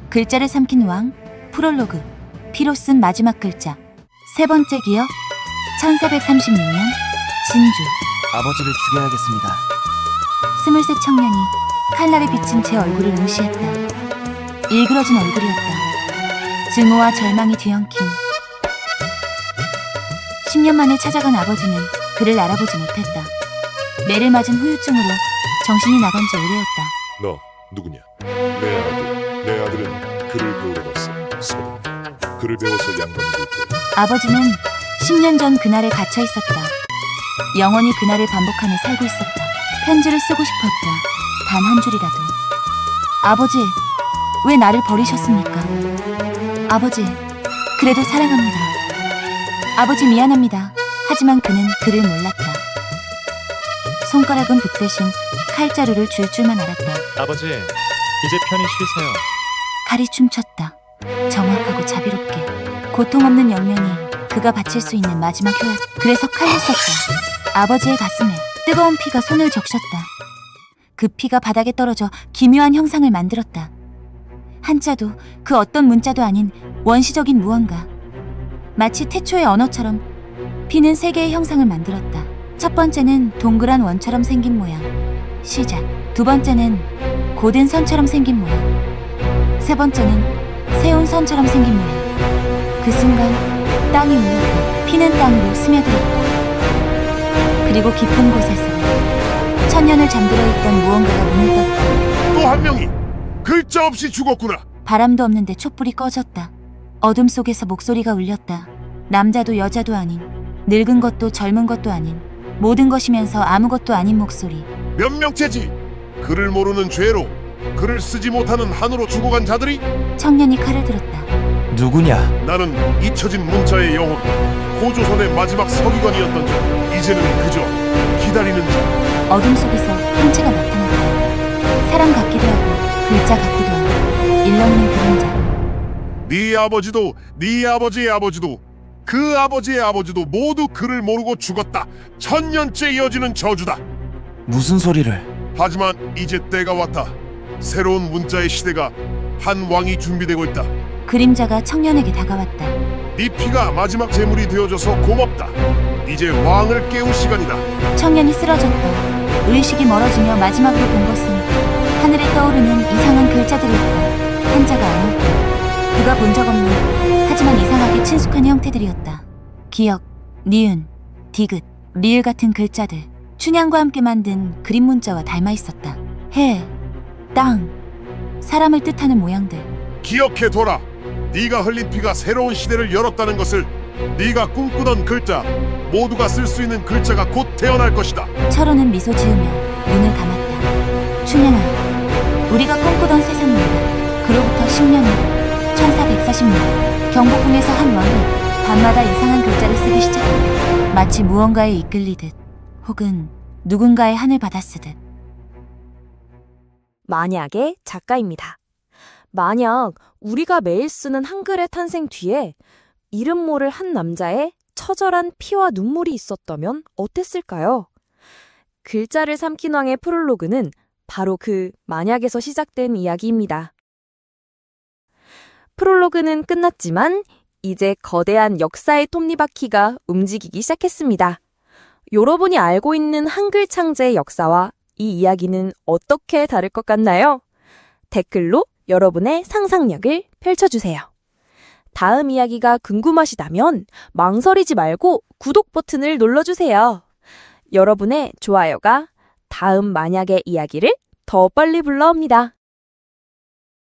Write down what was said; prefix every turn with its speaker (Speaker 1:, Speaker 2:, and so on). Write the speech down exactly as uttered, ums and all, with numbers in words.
Speaker 1: 글자를 삼킨 왕, 프롤로그, 피로 쓴 마지막 글자. 세 번째 기억, 천사백삼십육 년, 진주.
Speaker 2: 아버지를 죽여야겠습니다.
Speaker 1: 스물셋 청년이 칼날에 비친 제 얼굴을 응시했다. 일그러진 얼굴이었다. 증오와 절망이 뒤엉킨. 십 년 만에 찾아간 아버지는 그를 알아보지 못했다. 매를 맞은 후유증으로 정신이 나간 지 오래였다.
Speaker 3: 너 누구냐? 내 아들. 내 아들은 글을 배우러 갔어. 서동. 글을 배워서 양반이 될 거야.
Speaker 1: 아버지는 십 년 전 그날에 갇혀 있었다. 영원히 그날을 반복하며 살고 있었다. 편지를 쓰고 싶었다. 단 한 줄이라도. 아버지, 왜 나를 버리셨습니까? 아버지, 그래도 사랑합니다. 아버지 미안합니다. 하지만 그는 그를 몰랐다. 손가락은 붓 대신 칼자루를 줄 줄만 알았다.
Speaker 4: 아버지, 이제 편히 쉬세요.
Speaker 1: 칼이 춤췄다. 정확하고 자비롭게. 고통 없는 영면이 그가 바칠 수 있는 마지막 효약. 그래서 칼을 썼다. 아버지의 가슴에 뜨거운 피가 손을 적셨다. 그 피가 바닥에 떨어져 기묘한 형상을 만들었다. 한자도 그 어떤 문자도 아닌 원시적인 무언가. 마치 태초의 언어처럼 피는 세 개의 형상을 만들었다. 첫 번째는 동그란 원처럼 생긴 모양. 시작. 두 번째는 고된 선처럼 생긴 모양. 세 번째는 세운 선처럼 생긴 모양. 그 순간 땅이 울렸고 피는 땅으로 스며들었다. 그리고 깊은 곳에서 천년을 잠들어 있던 무언가가 문을 떴다.
Speaker 3: 또 한 명이 글자 없이 죽었구나.
Speaker 1: 바람도 없는데 촛불이 꺼졌다. 어둠 속에서 목소리가 울렸다. 남자도 여자도 아닌, 늙은 것도 젊은 것도 아닌, 모든 것이면서 아무것도 아닌 목소리.
Speaker 3: 몇 명째지? 글을 모르는 죄로 글을 쓰지 못하는 한으로 죽어간 자들이?
Speaker 1: 청년이 칼을 들었다.
Speaker 2: 누구냐?
Speaker 3: 나는 잊혀진 문자의 영혼, 고조선의 마지막 서기관이었던 자. 이제는 그저 기다리는 자.
Speaker 1: 어둠 속에서 형체가 나타났다. 사람 같기도 하고 글자 같기도 하고 일렁이는 그림자.
Speaker 3: 네 아버지도 네 아버지의 아버지도 그 아버지의 아버지도 모두 글을 모르고 죽었다. 천년째 이어지는 저주다.
Speaker 2: 무슨 소리를?
Speaker 3: 하지만 이제 때가 왔다. 새로운 문자의 시대가 한 왕이 준비되고 있다.
Speaker 1: 그림자가 청년에게 다가왔다.
Speaker 3: 네 피가 마지막 제물이 되어줘서 고맙다. 이제 왕을 깨울 시간이다.
Speaker 1: 청년이 쓰러졌다. 의식이 멀어지며 마지막으로 본 것은 하늘에 떠오르는 이상한 글자들이었다. 한자가 아니었다. 그가 본 적 없는 하지만 이상하게 친숙한 형태들이었다. 기역, 니은, 디귿, 리을 같은 글자들. 춘향과 함께 만든 그림 문자와 닮아 있었다. 해, 땅, 사람을 뜻하는 모양들.
Speaker 3: 기억해둬라. 네가 흘린 피가 새로운 시대를 열었다는 것을. 네가 꿈꾸던 글자, 모두가 쓸 수 있는 글자가 곧 태어날 것이다.
Speaker 1: 철호는 미소 지으며 눈을 감았다. 춘향아, 우리가 꿈꾸던 세상입니다. 그로부터 십 년 후, 천사백사십 년, 경복궁에서 한 왕이 밤마다 이상한 글자를 쓰기 시작했다. 마치 무언가에 이끌리듯, 혹은 누군가의 한을 받아쓰듯.
Speaker 5: 만약의 작가입니다. 만약 우리가 매일 쓰는 한글의 탄생 뒤에 이름 모를 한 남자의 처절한 피와 눈물이 있었다면 어땠을까요? 글자를 삼킨 왕의 프롤로그는 바로 그 만약에서 시작된 이야기입니다. 프롤로그는 끝났지만 이제 거대한 역사의 톱니바퀴가 움직이기 시작했습니다. 여러분이 알고 있는 한글 창제의 역사와 이 이야기는 어떻게 다를 것 같나요? 댓글로 여러분의 상상력을 펼쳐주세요. 다음 이야기가 궁금하시다면 망설이지 말고 구독 버튼을 눌러주세요. 여러분의 좋아요가 다음 만약의 이야기를 더 빨리 불러옵니다.